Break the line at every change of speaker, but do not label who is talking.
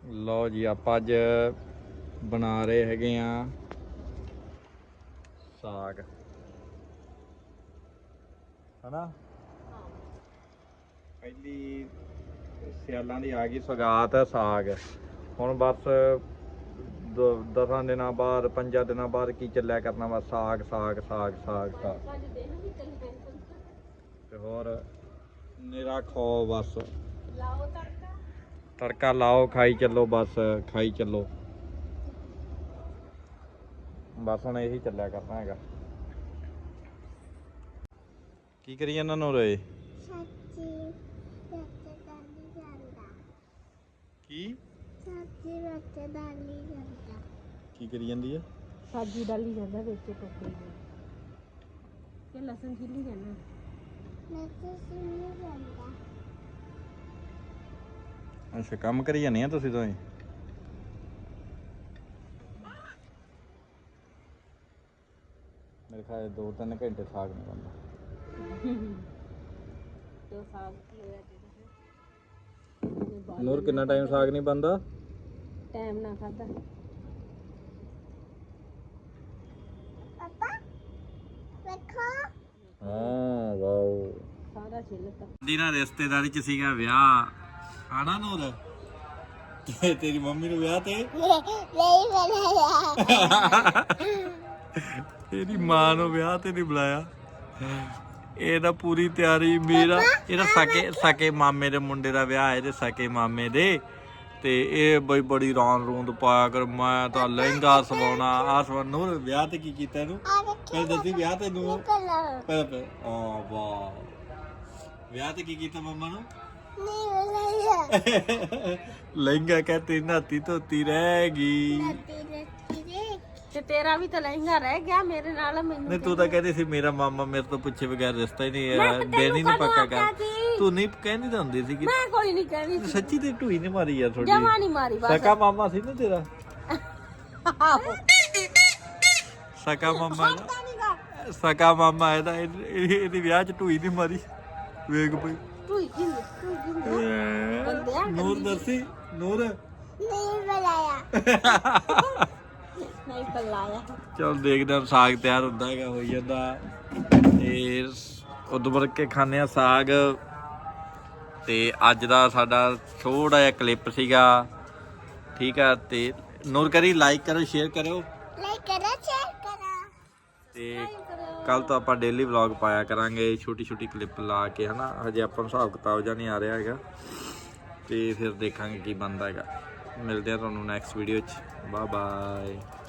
ਲਓ ਜੀ ਆਪਾਂ ਅੱਜ ਬਣਾ ਰਹੇ ਹੈਗੇ ਆ ਸਾਗ ਹਨਾ। ਪਹਿਲੀ ਸਿਆਲਾਂ ਦੀ ਆ ਗਈ ਸੌਗਾਤ ਸਾਗ। ਹੁਣ ਬਸ 10 ਦਿਨਾਂ ਬਾਅਦ 5 ਦਿਨਾਂ ਬਾਅਦ ਕੀ ਚੱਲਿਆ ਕਰਨਾ ਵਾ ਸਾਗ ਸਾਗ ਸਾਗ ਸਾਗ ਸਾਗ ਤੇ ਹੋਰ ਨਿਰਾ ਖਾਓ ਬਸ
ਲਾਓ
ਤੜਕਾ ਲਾਓ ਖਾਈ ਚੱਲੋ ਬਸ ਖਾਈ ਚੱਲੋ ਬਸ ਹੁਣ ਇਹੀ ਚੱਲਿਆ ਕਰਨਾ ਹੈਗਾ। ਕੀ ਕਰੀ ਇਹਨਾਂ ਨੂੰ ਰੇ
ਸੱਚੀ ਬੱਚੇ ਦਾਲੀ ਜਾਂਦਾ
ਕੀ
ਸੱਚੀ ਬੱਚੇ ਦਾਲੀ ਜਾਂਦਾ
ਕੀ ਕਰੀ ਜਾਂਦੀ ਆ
ਸਾਜੀ ਡਾਲੀ ਜਾਂਦਾ ਵਿੱਚ ਟੋਕਰੀ ਦੇ ਕਿ ਲਸਣ ਛਿੱਲੀ ਜਾਂਦਾ ਲਸਣ ਛਿੱਲੀ ਜਾਂਦਾ।
ਅੱਛਾ ਕੰਮ ਕਰੀ ਜਾਂਦੇ ਆ ਤੁਸੀਂ ਦੋਵੇਂ। ਮੇਰੇ ਖਿਆਲ 2-3 ਘੰਟੇ ਸਾਗ ਨਹੀਂ ਬਣਦਾ।
तो साग
ਨੂਰ ਕਿੰਨਾ ਟਾਈਮ ਸਾਗ ਨਹੀਂ ਬਣਦਾ
टाइम ना खाता पापा देखो
ਹਾਂ ਵਾਓ
सारा छिलका
ਦੀ ਨਾ ਰਿਸ਼ਤੇਦਾਰੀ ਚ ਸੀਗਾ ਵਿਆਹ ਆਣਾ ਨੂਰ ਤੇਰੀ ਮੰਮੀ ਨੂੰ ਵਿਆਹ ਤੇ
नहीं बनाया
ਤੇਰੀ ਮਾਂ ਨੂੰ ਵਿਆਹ ਤੇ ਨਹੀਂ ਬੁਲਾਇਆ। ਇਹ ਤਾਂ ਪੂਰੀ ਤਿਆਰੀ ਮੇਰਾ ਇਹਦਾ ਸਕੇ ਮਾਮੇ ਦੇ ਮੁੰਡੇ ਦਾ ਵਿਆਹ ਇਹਦੇ ਸਕੇ ਮਾਮੇ ਦੇ ਤੇ ਇਹ ਬਈ ਬੜੀ ਰੌਣ ਰੂੰਦ ਪਾਇਆ ਕਰ ਮੈਂ ਤਾਂ ਲਹਿੰਗਾ ਸਵਾਉਣਾ ਆ ਸਵਾ ਨੂਰ ਵਿਆਹ ਤੇ ਕੀ ਕੀਤਾ ਇਹਨੂੰ ਪਹਿਲਾਂ ਦੱਸੀ ਵਿਆਹ ਤੇ ਨੂੰ ਪਹਿਲਾਂ ਆ ਵਾਹ ਵਿਆਹ ਤੇ ਕੀ ਕੀਤਾ ਮੰਮਾ ਨੂੰ
नहीं बनाया
ਲਹਿੰਗਾ ਕਹਤੇ ਨਾਤੀ ਧੋਤੀ ਰਹਿ ਗਈ।
ਤੇ ਤੇਰਾ ਵੀ ਤਾਂ ਲਹਿੰਗਾ ਰਹਿ ਗਿਆ ਮੇਰੇ ਨਾਲ ਮੈਨੂੰ
ਨਹੀਂ ਤੂੰ ਤਾਂ ਕਹਿੰਦੀ ਸੀ ਮੇਰਾ ਮਾਮਾ ਮੇਰੇ ਤੋਂ ਪੁੱਛੇ ਬਗੈਰ ਰਿਸ਼ਤਾ ਹੀ ਨਹੀਂ ਦਿਨ ਹੀ ਨਹੀਂ ਪੱਕਾ ਕਰ ਤੂੰ ਨਹੀਂ ਕਹਿੰਦੀ ਤਾਂ ਹੁੰਦੀ ਸੀ ਕਿ
ਮੈਂ ਕੋਈ ਨਹੀਂ ਕਹਿੰਦੀ
ਸੱਚੀ ਤੇ ਢੂਈ ਨਹੀਂ ਮਾਰੀ ਯਾਰ ਥੋੜੀ
ਜਮਾ ਨਹੀਂ ਮਾਰੀ ਬਸ
ਸਕਾ ਮਾਮਾ ਸੀ ਨਾ ਤੇਰਾ
ਆਹੋ
ਸਕਾ ਮਾਮਾ ਇਹਦਾ ਇਹਦੇ ਵਿਆਹ ਚ ਢੂਈ ਨਹੀਂ ਮਾਰੀ ਵੇਖ ਪਈ
ਤੂੰ
ਨੂਰ ਦੱਸੀ ਨੂਰ
ਨਹੀਂ ਬੁਲਾਇਆ ਨਹੀਂ ਬੁਲਾਇਆ
ਚਲ ਦੇਖਦੇ ਹਾਂ ਸਾਗ ਤਿਆਰ ਹੁੰਦਾ ਹੈਗਾ ਹੋਈ ਜਾਂਦਾ ਤੇ ਉਦੋਂ ਵਰ ਕੇ ਖਾਂਦੇ ਆ ਸਾਗ। ਤੇ ਅੱਜ ਦਾ ਸਾਡਾ ਥੋੜਾ ਜਿਹਾ ਕਲਿੱਪ ਸੀਗਾ ਠੀਕ ਆ ਤੇ ਨੂਰ ਕਰੀ ਲਾਈਕ ਕਰੋ ਸ਼ੇਅਰ ਕਰਿਓ ਤੇ ਕੱਲ ਤੋਂ ਆਪਾਂ ਡੇਲੀ ਵਲੌਗ ਪਾਇਆ ਕਰਾਂਗੇ ਛੋਟੀ ਛੋਟੀ ਕਲਿੱਪ ਲਾ ਕੇ ਹਨਾ। ਹਜੇ ਆਪਾਂ ਨੂੰ ਹਿਸਾਬ ਕਿਤਾਬ ਜਿਹਾ ਨਹੀਂ ਆ ਰਿਹਾ ਹੈਗਾ ਤੇ ਫਿਰ ਦੇਖਾਂਗੇ ਕੀ ਬਣਦਾ ਹੈਗਾ। ਮਿਲਦੇ ਆ ਤੁਹਾਨੂੰ ਨੈਕਸਟ ਵੀਡੀਓ 'ਚ ਬਾਏ ਬਾਏ।